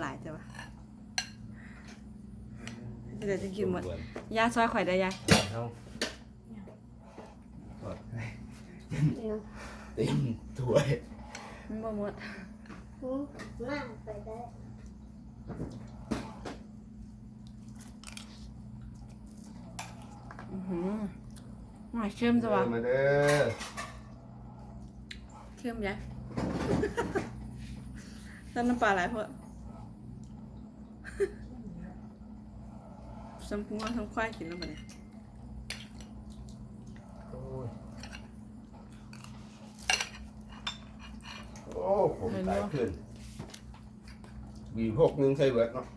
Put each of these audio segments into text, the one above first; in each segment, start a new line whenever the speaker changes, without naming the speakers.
หลายจ้ะวะเดี๋ยวจะกินหมดยาซอยข่อยได้ยาย
เอา
เต็มถ้วย
มันบ่หมด
มากไปได้
หน่อยเชื่อมจ้ะวะ
มาเด้อ
เชื่อมยายต้นน้ำปลาหลายเพื่อสัมผัสทั้งควายกินแล้วบ่เนี่ย
โอ้ย
โอ้ผมตายขึ้นB6 นึงใส่เบิดเนาะ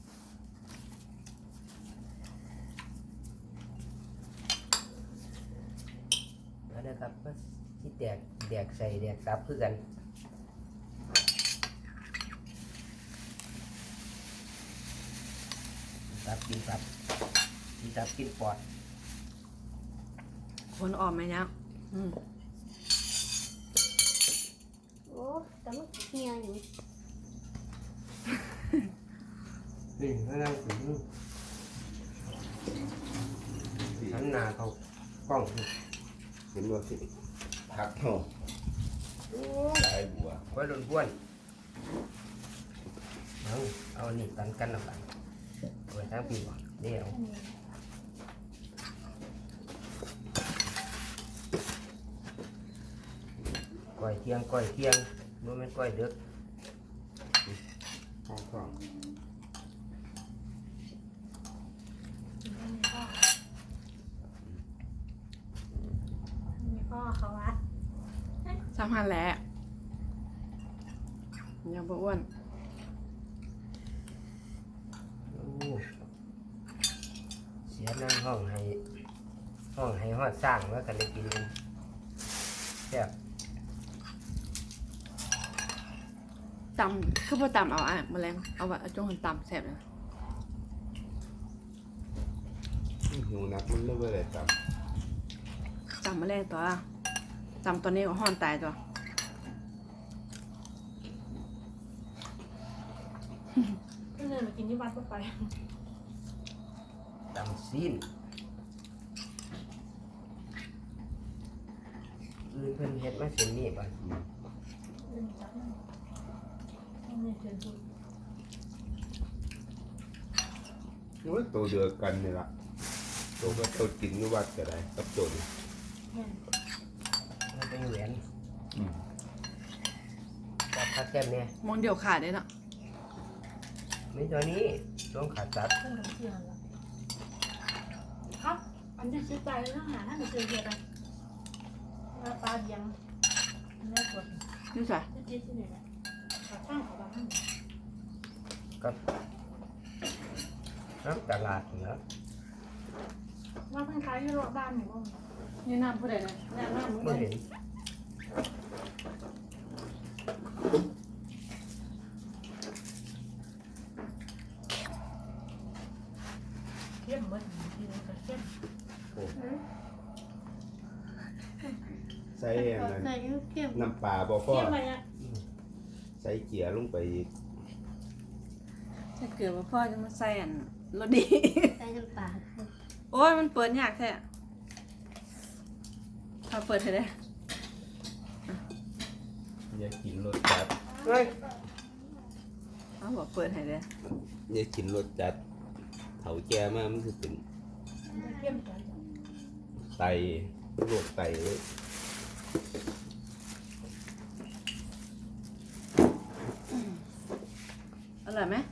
แล้วนะครับก็ที่แดกใส่แดกตับคือกันตับกินตับกินตับกินปอด
คนออกไหมเนี่ย
โอ้แต่มันเฮียอยู่
นี่นั่งถึงหันหน้าเขากล้อง
เห็นว่าสิผักเนาะโอ้หลายบัว
ไว้ล้วนเอานี่ตันกันละกันไว้ทั้งปีบ่เดี๋ยวก้อยเที่ยงบ่แม่นก้อยดึก
ข้าวกล่อง
มีพ่อเขาวัด
3,000แหละยังบ่อ้วน
โอ้เสียนั่งห้องให้ฮอดสร้างแล้วกันได้กินกันแซ่บ
ตำคือพอตำเอาแมลงเอาแบบจงหันตำแซ่บเลย
หิวนักมันเลิกเลยจ
ตำแมลงตัวตำตัวนี้ก็ห่อนตายตัว
ก็เลยมากินที่วัดไป
ตำซีนอื่นเพิ่นเฮ็ดมาเส้นนี้บ่
ำนี่ว่าตัวเดียวกันนี่ละตัวก็ตัวกินนี่วัดก็ได้กับตัวนี้
มันเป็นแหวนจับคัดแก้มเนี่ย
มองเดียวขาดได้เนาะ
มีตัวนี้ต้องขาดตัด
ครับอันจะซื้อไปแล้วหาหน้าจะซื้อเยอะไปแล้วปลาเดียงเนื้อกด
นี่ใส่
จะเจ๊ที่ไหนนะข้างของบ้าน
กับน้ำตลาดเนาะ
ว่าเพิ่งขายที่รถบ้านหนูบ้าง
นี่น้ำผู้ใดเนี่ย
แน่นอนมึง
ไม่เห็น
เข้มเบิดทีนึงก็เข้ม
ใส่อันนั้น
ใส่เข้ม
น้ำปลาบ่พอ
เข้มไปอ่ะ
ใส่เกียร์ลงไปอีก
ถ้าเกิดว่าพ่อจะมาใส่อันรสดี
ใส่น้ำปลา
โอ้ยมันเปิดยากแท้พอเปิดให้ได้
อย่ากินรสจัด
เฮ้ย
เอาบอกเปิดให้ได้
อย่ากินรสจัดเถาแก่มากมันจะเป็น
เข้มจัง
ไตโรคไตเลย
อร่อยไหม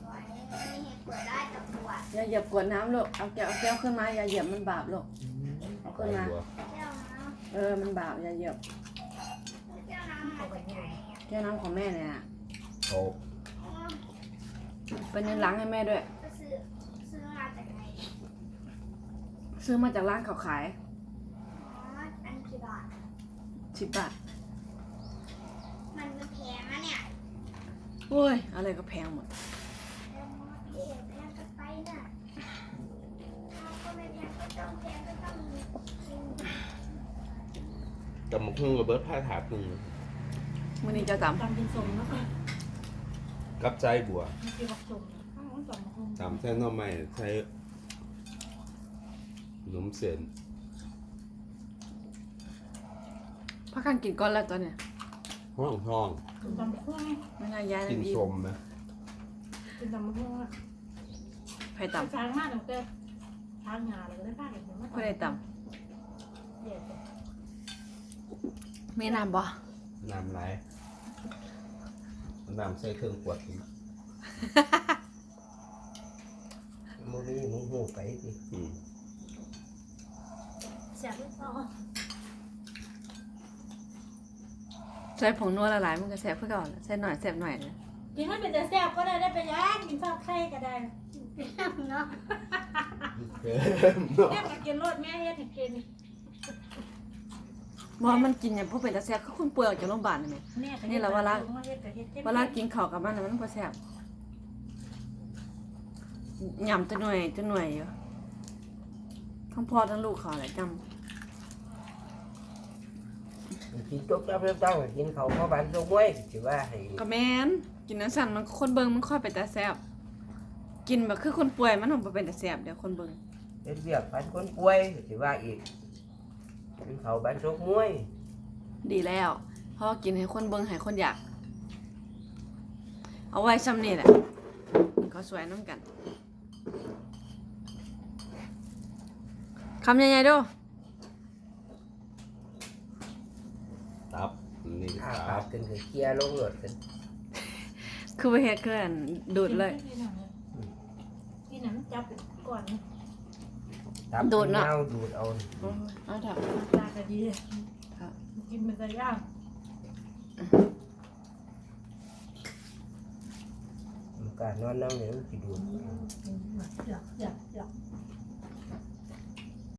อย่าเหยียบกวดน้ำลูกเอาแก้วขึ้นมาอย่าเหยียบมันบาปลูกเอาขึ้นมา
บัว
มันบาปอย่าเหยียบแก้วน้ำของแม่เนี่ยนะ
โอ้
เป็นเงินล้างให้แม่ด้วย ซื้อมาจากร้านเขาขาย10 บาท
มันแพงนะเนี่ย
โอ้ยอะไรก็แพงหมด
แพงกันไปน่ะก็ไม่แพงก็ต้องแพงก็ต้องกิน
กับมะเขือกับเบิร์ดผ้าถาดหนึ่ง
มื้อนี้เจ้าตำ
ตำเป็นสมแล้วก็
ตกับใจบัว
มันกินผักจุ่มข้าวมันสมมะ
ตำแท่น้อไม้ใช้ขนมเส้น
พักกันกินก้อนแล้วตอนเนี้ย
ห้องห้อง
กินตำบักหุ่ง
ไม่น่าย้าย
กิน
อีก
สมนะ
กินตำบักหุ่งอ่ะ
ไผ่ต่
ช้างมากตั้งแต่ช้างงาเลยก็ได้ป้าเห็นไหม
ำไผ่ได้ต่
เดี๋ยว
ำมีน้ำบ่
น้ำไหลน้ำใส่เครื่องขวดอีก
มึงนี่มึงหูไปสิ
อืม
แสบลูกคอ
ใส่ผงนัวละลายมันก็แซ่บขึ้นก่อนใส่หน่อยแซ่บหน่อยเลย
กินให้เป็นแต่แซ่บก็ได้เป็นย่างกินข้าวไข่ก็ได้เนาะ
เกินเนาะ
แม่ก็กินรสแม่เฮ็ดให้กิน
บ่มันกินอย่างพวกเป็นตาแซ่บคือคนป่วยออกจากโรงพยาบาลนี่แหม นี่แหละว่าละ เวลากินข้าวกับมันน่ะมันบ่แซ่บยำจะหน่วยอยู่ทั้งพ่อทั้งลูกเขาแหละจ
กินจบจับเริ่มตั้งกินเขาเพราะบ้านตรงมวยถือว่าให้
ำก็แม่นกินน้ำสั่นมันคนเบิ่งมันค่อยเป็นตาแซ่บกินแบบคือคนป่วยมันบ่เป็นตาแซ่บเดี๋ยวคนเบิ่ง
เป็นเรียกบ้านคนป่วยถือว่าอีกกินเขาบ้านตรงมวย
ดีแล้วเพราะว่ากินให้คนเบิ่งให้คนอยาก เอาไว้ซ้ำนี่แหละก็สวยน้ำกันคำใหญ่ๆดู
ตับนี่
อ้า
ตั
ปาก
บ
กันคือเคลียร์ลงรถกัน
คือไปเฮ็ดคืออันดูดเลย
กินหนังจับก่อน
ตับ
ดูดเนอะ
เอาดูดเอา
เอาเถอะ
ตาก็ดีกินเป็นตะย่าง
การนอนนั่งเนี่ยมันสิดูด
เดี๋ยว